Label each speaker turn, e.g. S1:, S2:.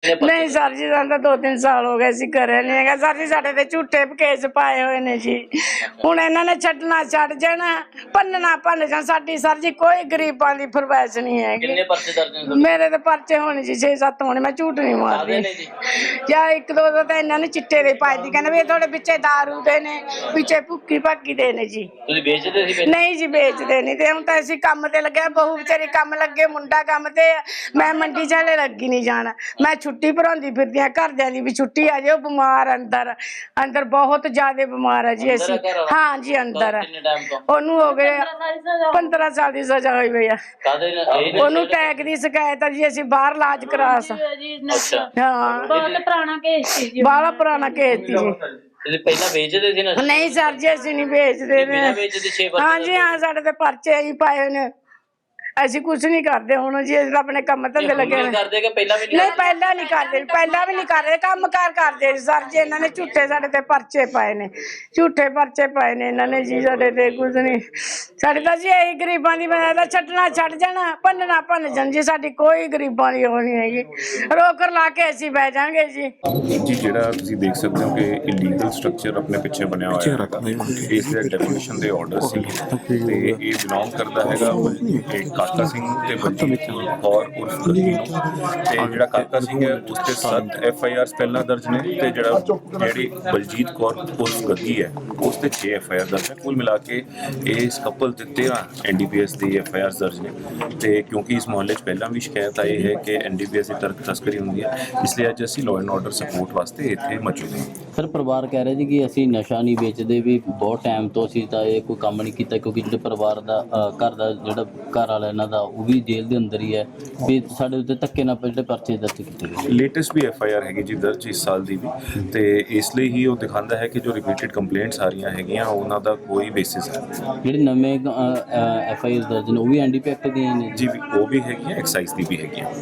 S1: नहीं सर जी सानू 2-3 साल हो गए सी घरे नहीं है सर जी। साडे ते झूठे केस पाए हुए ने जी। हुण इन्हां ने छड्डना छड्ड जाना, भन्नना भन्न जाण। साडी सर जी कोई गरीबां दी फरमाइश नहीं है।
S2: किन्ने पर्चे दर्ज ने?
S1: मेरे ते पर्चे होने जी 6-7 होने, मैं झूठ नहीं मारदी। या 1-2 ਤਾਂ ਇਹਨਾਂ ਨੇ ਚਿੱਟੇ ਦੇ ਪਾਏ ਦੀ, ਕਹਿੰਦੇ ਵੀ ਇਹ ਤੁਹਾਡੇ ਪਿੱਛੇ ਦਾਰੂ ਦੇ ਨੇ, ਪਿੱਛੇ ਭੁੱਕੀ ਭਾਕੀ ਦੇ ਨੇ ਜੀ।
S2: ਤੁਸੀਂ ਵੇਚਦੇ ਸੀ?
S1: ਨਹੀਂ ਜੀ ਵੇਚਦੇ ਨਹੀਂ। ਤੇ ਹੁਣ ਤਾਂ ਅਸੀਂ ਕੰਮ ਤੇ ਲੱਗਿਆ, ਬਹੂ ਵਿਚਾਰੀ ਕੰਮ ਲੱਗੇ, ਮੁੰਡਾ ਕੰਮ ਤੇ, ਮੈਂ ਮੰਡੀ ਚਾਲੇ ਲੱਗੀ ਨਹੀਂ ਜਾਣਾ। ਮੈਂ ਛੁੱਟੀ ਭਰਾਉਂਦੀ ਫਿਰਦੀ ਆ ਘਰਦਿਆਂ ਦੀ ਵੀ ਛੁੱਟੀ ਆ ਜਾਓ, ਬਿਮਾਰ ਅੰਦਰ ਬਹੁਤ ਜ਼ਿਆਦਾ ਬਿਮਾਰ ਹੈ ਜੀ ਅਸੀਂ। ਹਾਂ ਜੀ ਅੰਦਰ ਉਹਨੂੰ ਹੋ ਗਏ 15 ਸਾਲ ਦੀ ਸਜ਼ਾ ਹੋਈ ਹੋਈ ਆ। ਉਹਨੂੰ ਟੈਕ ਦੀ ਸ਼ਿਕਾਇਤ ਆ ਜੀ, ਅਸੀਂ ਬਾਹਰ ਇਲਾਜ ਕਰਾ ਹਾਂ।
S3: ਬਹੁਤ ਪੁਰਾਣਾ ਕੇਸ ਸੀ ਜੀ,
S1: ਬਾਹਲਾ ਪੁਰਾਣਾ ਕੇਸ ਸੀ ਜੀ।
S2: ਤੁਸੀਂ ਪਹਿਲਾਂ ਵੇਚਦੇ ਸੀ ਨਾ?
S1: ਨਹੀਂ ਸਰ ਜੀ ਅਸੀਂ ਨਹੀਂ ਵੇਚਦੇ ਨੇ। ਹਾਂ ਜੀ ਹਾਂ, ਸਾਡੇ ਤੇ ਪਰਚੇ ਹੀ ਪਾਏ ਹੋਏ ਨੇ। ਅਸੀਂ ਕੁਝ ਨਹੀਂ ਕਰਦੇ ਹੁਣ ਜੀ, ਅਸੀਂ ਆਪਣੇ ਕੰਮ ਧੰਦੇ ਲੱਗੇ ਨੇ।
S2: ਕਰਦੇ ਕਿ ਪਹਿਲਾਂ ਵੀ
S1: ਨਹੀਂ ਪਹਿਲਾਂ ਨਹੀਂ ਕਰਦੇ, ਪਹਿਲਾਂ ਵੀ ਨਹੀਂ ਕਰਦੇ, ਕੰਮ ਕਾਰ ਕਰਦੇ ਸਰ ਜੀ। ਇਹਨਾਂ ਨੇ ਝੂਠੇ ਸਾਡੇ ਤੇ ਪਰਚੇ ਪਾਏ ਨੇ, ਝੂਠੇ ਪਰਚੇ ਪਾਏ ਨੇ ਇਹਨਾਂ ਨੇ ਜੀ ਸਾਡੇ ਤੇ। ਕੁਝ ਨਹੀਂ ਸਾਡੇ ਤਾਂ ਜੀ ਇਹੀ ਗਰੀਬਾਂ ਦੀ ਬਣਾਇਆ, ਛੱਡਣਾ ਛੱਡ ਜਾਣਾ, ਭੰਨਣਾ ਭੰਨ ਜਾਣ ਜੀ। ਸਾਡੀ ਕੋਈ ਗਰੀਬਾਂ ਦੀ ਉਹ ਨਹੀਂ ਹੈਗੀ, ਰੋਕਰ ਲਾ ਕੇ ਅਸੀਂ ਬਹਿ ਜਾਾਂਗੇ ਜੀ।
S4: ਜੀ ਜਿਹੜਾ ਤੁਸੀਂ ਦੇਖ ਸਕਦੇ ਹੋ ਕਿ ਇਲੀਗਲ ਸਟਰਕਚਰ ਆਪਣੇ ਪਿੱਛੇ ਬਣਿਆ ਹੋਇਆ ਹੈ, ਇਸ ਦੇ ਡੈਮੋਲੀਸ਼ਨ ਦੇ ਆਰਡਰ ਸੀ ਤੇ ਇਹ ਬਿਲੋਂਗ ਕਰਦਾ ਹੈਗਾ ਇੱਕ ਕਾਕਾ ਸਿੰਘ ਤੇ ਬਲਜੀਤ ਕੌਰ ਉਰਫ ਗੱਗੀ ਨੂੰ। ਤੇ ਜਿਹੜਾ ਕਾਕਾ ਸਿੰਘ ਹੈ ਉਸ ਤੇ 7 FIRs ਪਹਿਲਾਂ ਦਰਜ ਨੇ, ਤੇ ਜਿਹੜੀ ਬਲਜੀਤ ਕੌਰ ਉਰਫ ਗੱਗੀ ਹੈ ਉਸ ਤੇ 6 FIR ਦਰਜ ਹੈ। ਕੁੱਲ ਮਿਲਾ ਕੇ ਇਸ ਕਪਲ ਤੇ 13 NDPS ਦੀ FIRs ਦਰਜ ਨੇ। ਤੇ ਕਿਉਂਕਿ ਇਸ ਮੁਹੱਲੇ 'ਚ ਪਹਿਲਾਂ ਵੀ ਸ਼ਿਕਾਇਤ ਆਈ ਹੈ ਕਿ NDPS ਦੀ ਤਸਕਰੀ ਹੁੰਦੀ ਹੈ, ਇਸ ਲਈ ਅੱਜ ਅਸੀਂ ਲਾਅ ਐਂਡ ਆਰਡਰ ਸਪੋਰਟ ਵਾਸਤੇ ਇੱਥੇ ਮੌਜੂਦ ਹਾਂ।
S5: ਸਰ ਪਰਿਵਾਰ ਕਹਿ ਰਿਹਾ ਜੀ ਕਿ ਅਸੀਂ ਨਸ਼ਾ ਨਹੀਂ ਵੇਚਦੇ, ਵੀ ਬਹੁਤ ਟਾਈਮ ਤੋਂ ਅਸੀਂ ਤਾਂ ਇਹ ਕੋਈ ਕੰਮ ਨਹੀਂ ਕੀਤਾ, ਕਿਉਂਕਿ ਜਿਹੜੇ ਪਰਿਵਾਰ ਦਾ ਘਰ ਦਾ ਜਿਹੜਾ ਘਰ ਵਾਲਾ ਇਹਨਾਂ ਦਾ ਉਹ ਵੀ ਜੇਲ੍ਹ ਦੇ ਅੰਦਰ ਹੀ ਹੈ, ਵੀ ਸਾਡੇ ਉੱਤੇ ਧੱਕੇ ਨਾਲ ਜਿਹੜੇ ਪਰਚੇ ਦਰਜ ਕੀਤੇ ਗਏ।
S4: ਲੇਟੈਸਟ ਵੀ FIR ਹੈਗੀ ਜੀ ਦਰਜ ਇਸ ਸਾਲ ਦੀ ਵੀ, ਤੇ ਇਸ ਲਈ ਹੀ ਉਹ ਦਿਖਾਉਂਦਾ ਹੈ ਕਿ ਜੋ ਰਿਪੀਟਡ ਕੰਪਲੇਂਟਸ ਆ ਰਹੀਆਂ ਹੈਗੀਆਂ ਉਹਨਾਂ ਦਾ ਕੋਈ ਬੇਸਿਸ ਹੈ।
S5: ਜਿਹੜੇ ਨਵੇਂ FIR ਦਰਜ ਨੇ ਉਹ ਵੀ NDP ਐਕਟ ਦੀਆਂ ਨੇ
S4: ਜੀ, ਉਹ ਵੀ ਹੈਗੀਆਂ, ਐਕਸਾਈਜ਼ ਦੀ ਵੀ ਹੈਗੀਆਂ।